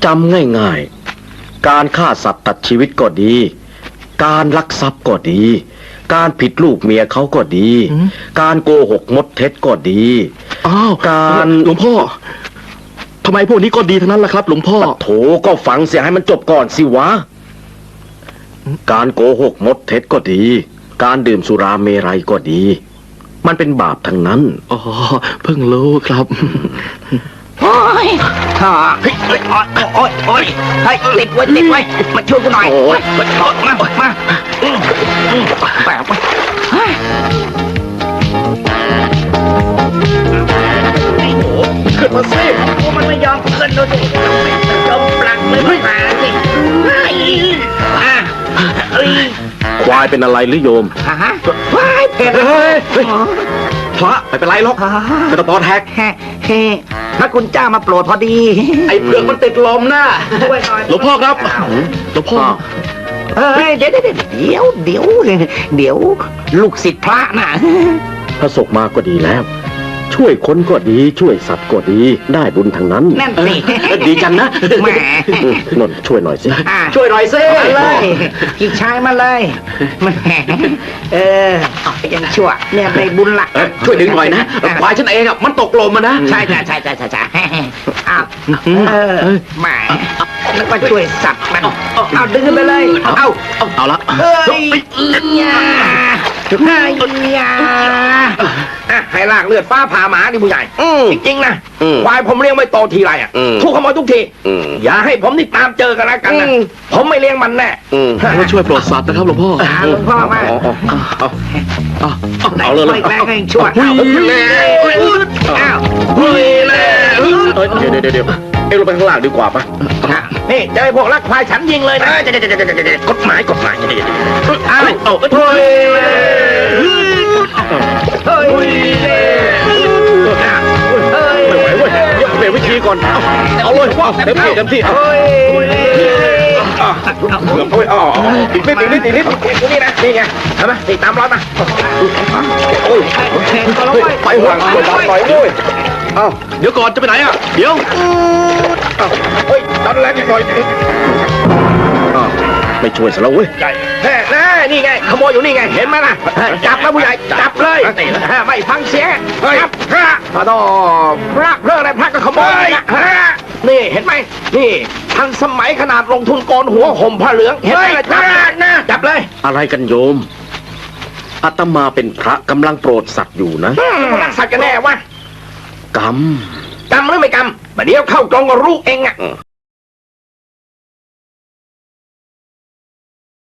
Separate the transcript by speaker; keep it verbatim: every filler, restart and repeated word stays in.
Speaker 1: จำง่ายๆการฆ่าสัตว์ตัดชีวิตก็ดี การลักทรัพย์ก็ดี การผิดลูกเมียเขาก็ดี การโกหกมดเท็จก็ดี
Speaker 2: อ้าว
Speaker 1: การ
Speaker 2: หลวงพ่อทำไมพวกนี้ก็ดีทั้งนั้นล่ะครับหลวงพ่อ
Speaker 1: โถก็ฟังเสียให้มันจบก่อนสิวะ การโกหกมดเท็จก็ดี การดื่มสุราเมรัยก็ดี มันเป็นบาปทั้งนั้น
Speaker 2: อ๋อเพิ่งรู้ครับ
Speaker 3: โอ้ยฮ่าเฮ้ยเฮ้ยโอ้ยโอ้ยเฮ้ยติดไว้ติดไว้มาช่วยกูหน่อย
Speaker 1: โอ้ย
Speaker 3: มามามาอืมอืมแปะไปเฮ้ย
Speaker 1: ขึ้นมาสิ
Speaker 3: โอ้มันไม่ยอมขึ้นดูสิยอมปลักเลยไม่มาสิเฮ้ยอ่ะเอ้ย
Speaker 1: ควายเป็นอะไรหรือโยม
Speaker 3: ฮะว้ายเผ็ด
Speaker 1: เฮ้ยเฮ้ยพระไม่เป็นไรหรอกกระตอนแฮก
Speaker 3: แฮ่แฮ่พระคุณเจ้ามาโปรดพอดี
Speaker 1: ไอ้เผือกมันติดลมนะ
Speaker 3: ช่วยหน่อย
Speaker 2: หลวงพ่อครับหลวงพ่อ
Speaker 3: เฮ้ยเดี๋ยวเดี๋ยวเดี๋ยวเดี๋ยวเดี๋ยวลูกศิษย์พระน่ะ
Speaker 1: พระสงฆ์มาก็ดีแล้ว ช่วยคนก็ดีช่วยสัตว์ก็ดีได้บุญทั้งนั้น
Speaker 3: นั่นสิ
Speaker 1: ดีจังนะ
Speaker 3: แหม
Speaker 1: นนท์ช่วยหน่อยสิ
Speaker 3: อ่ะ
Speaker 1: ช่วยหน่อยสิ
Speaker 3: มาเลยพี่ชายมาเลยแหมเออยังชั่วเนี่ยได้บุญละ
Speaker 1: เอ้ยช่วยดึงหน่อยนะควายฉันเองอ่ะมันตกลมมานะ
Speaker 3: ใช่ใช่ใช่ใช่ใช่ใช่อ้าวเออแหมแล้วก็ช่วยสัตว์มันเอาดึงไปเลยเอา
Speaker 2: เอาละ
Speaker 3: เฮ้ยยาเฮ้ยยาอ่ะให้ลากเลือดฟ้าผ่าหมาดิผู้ใหญ่จริงๆนะควายผมเลี้ยงไม่โตทีไรอ่ะถูกขโมยทุกทีอย่าให้ผมนี่ตามเจอกันแล้วกันนะผมไม่เลี้ยงมันแน่
Speaker 2: ก็ช่วยโปรดสัตว์นะครับหลวงพ่อ
Speaker 3: อ่าหลวงพ่อมา
Speaker 1: เอาเลยเลย
Speaker 3: แรงให้ช่วยเอาเลยอ้าวเฮ้ยเลย
Speaker 1: เดี๋ยวเดี๋ยวเดี๋ยวเอ็งลงไปข้างล่างดีกว่าปะ
Speaker 3: นี่เจอพวกลักควายฉันยิงเลยนะ
Speaker 1: กฎหมายกฎหมาย
Speaker 3: อ้าวเอาเฮ้ยเฮ้ยเฮ้ย
Speaker 1: ไม่ไหวเว้ยเดี๋ยวเปลี่ยนวิธีก่อนเอาเลยเต็มที่เต็มที่
Speaker 3: เฮ้ย
Speaker 1: โอ้ยอ๋ออีกนิดอีกนิดอีกนิด
Speaker 3: นี่นะนี่ไงเห็นไหมนี่ตามร้อยมา
Speaker 1: โอ้ยไปห่วงไปดันหน่อยด้วยเอ้า
Speaker 2: เดี๋ยวก่อนจะไปไหนอ่ะเดี๋ยว
Speaker 3: เฮ้ยดันแรงหน่อย
Speaker 1: ไม่ช่วยซะแล้วเว้ย
Speaker 3: แน่แน่นี่ไงขโมยอยู่นี่ไงเห็นไหมล่ะจับนะผู้ใหญ่จับเลยไม่ฟังเสียงจับพระพระดอพระเรื่องอะไรพระก็ขโมยนี่เห็นไหมนี่ทันสมัยขนาดลงทุนโกนหัวห่มผ้าเหลืองเห็นไหมล่ะจับนะจับเลย
Speaker 1: อะไรกันโยมอาตมาเป็นพระกำลังโปรดสัตว์อยู่นะ
Speaker 3: รักสัตว์กันแน่วะ
Speaker 1: กรรม
Speaker 3: กำหรือไม่กำเดี๋ยวเข้ากรงก็รู้เองอ่ะ